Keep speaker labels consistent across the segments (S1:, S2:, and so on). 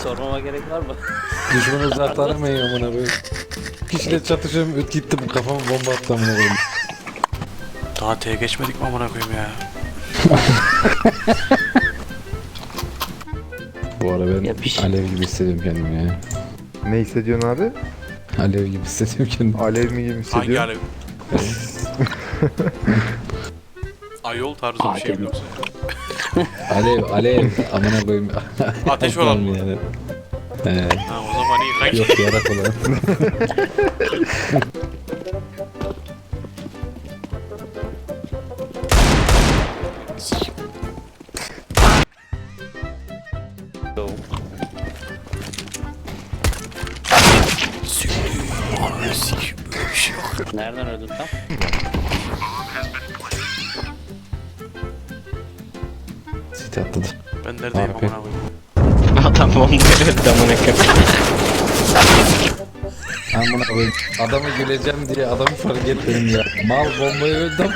S1: Sormama gerek var mı?
S2: Düşmanı uzaklanmayın amına koyayım. Kişiyle çatışıyorum gittim kafama bomba attı amına koyayım.
S3: Daha T'ye geçmedik mi amına koyayım ya?
S2: Bu ara ben
S1: Yapış.
S2: alev gibi hissediyorum kendimi ya.
S4: Ne hissediyorsun abi?
S2: Alev gibi hissediyorum kendimi.
S4: Alev mi gibi
S3: Hangi
S4: hissediyorsun?
S3: alev? Ayol tarzı bir şey mi yoksa?
S2: Alev amına koyayım.
S3: Ateş olan mı?
S2: Yani. He,
S3: Ha, o zaman iyi kanki.
S2: yok yarak olan.
S3: Ananı sikeyim, böyle bir şey yok.
S1: Nereden öldün tam?
S2: Sit atladı.
S3: Ben neredeyim
S2: Harbi.
S3: amına koyayım?
S5: Adam bombayı öldü amına koyayım.
S2: Amına koyayım. Adamı güleceğim diye adamı fark etmedim ya. Mal bombayı öldüm.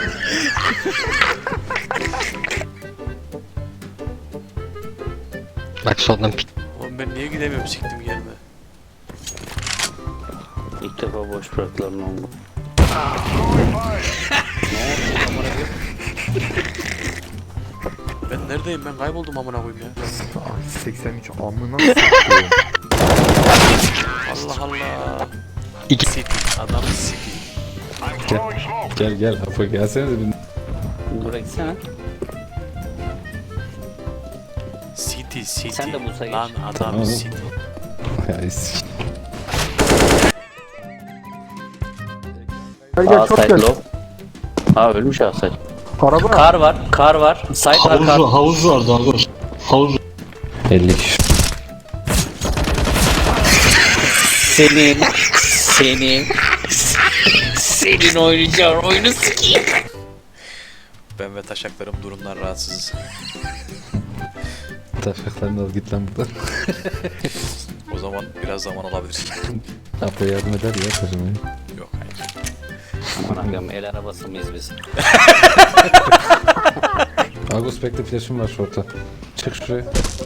S5: Bak soldan pik.
S3: Oğlum ben niye gidemiyorum siktim yerine?
S1: İlk defa boş bıraktılar ne oldu? Ne oldu amına koyayım?
S3: Ben neredeyim, ben kayboldum amına koyayım ya.
S4: Ay, 83 amına s**eyim.
S3: Allah Allah.
S5: İki.
S3: City, adam City.
S2: Gel Apo gelsene de bir.
S1: Buraya gitsene.
S3: City.
S1: Sen de Musa geç.
S3: Lan adam
S2: Tamam.
S3: City.
S2: Ya eski.
S4: Gel gel çok
S1: Side
S4: gel.
S1: low. Ha ölmüş Asay.
S4: Araba.
S1: Kar var. Side var kar.
S5: Havuz vardı havuz. Havuz.
S2: 50 kişi.
S1: Senin oynayacağın oyunu sikeyim.
S3: Ben ve taşaklarım durumdan rahatsızız.
S2: Taşaklarını al git lan buradan.
S3: O zaman biraz zaman alabilir.
S2: Apo yardım eder ya taşımaya.
S3: Yok hayır.
S1: Aman akım el arabası mıyız biz?
S2: Agus bekle flash'ım var şorta. Çık şuraya.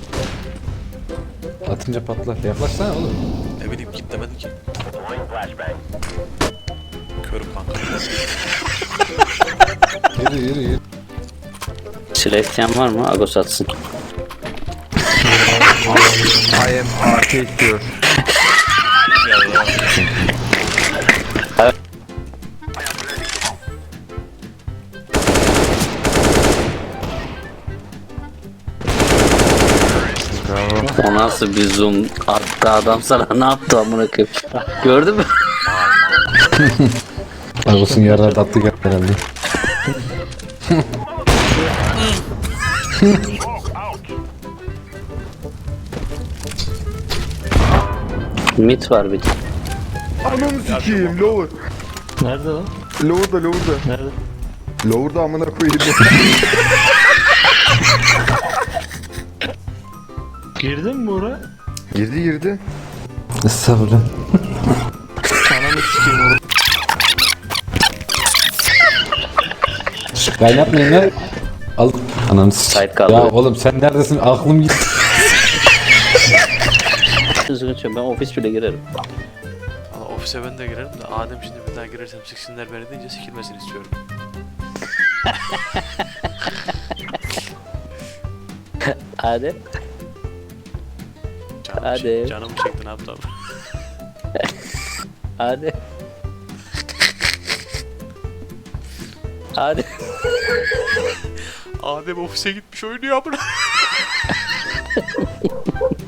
S2: Atınca patlar. Yaklaşsana oğlum.
S3: Ne bileyim git demedim ki. Körüm kanka.
S2: Yürü.
S1: Silah isteyen var mı? Agos atsın.
S4: I am arcade diyor.
S1: O nasıl bir zoom? Hatta adam sana ne yaptı amına koyayım? Gördün mü?
S2: Agus'un yarına tatlı geldi herhalde.
S1: Mit var bir de.
S4: Ananı sikeyim lower.
S5: Nerede lan?
S4: Lower'da.
S5: Nerede?
S4: Lower'da amına koyayım.
S5: Girdin mi oraya?
S4: Girdi.
S2: Estağfurullah.
S5: Ananı sikeyim oraya.
S2: Şş, kaynatmayın lan. Al. Ananı
S1: Sait kaldı.
S2: Ya oğlum sen neredesin? Aklım gitti.
S1: Sıkıntı yok, ben ofis bile girerim.
S3: Valla ofise ben de girerim de Adem şimdi bir daha girersem siksinler beni deyince sikilmesini istiyorum.
S1: Hadi. Hadi.
S3: Canımı çekti ne yaptım?
S1: Hadi. Hadi.
S3: Adem ofise gitmiş oynuyor amına.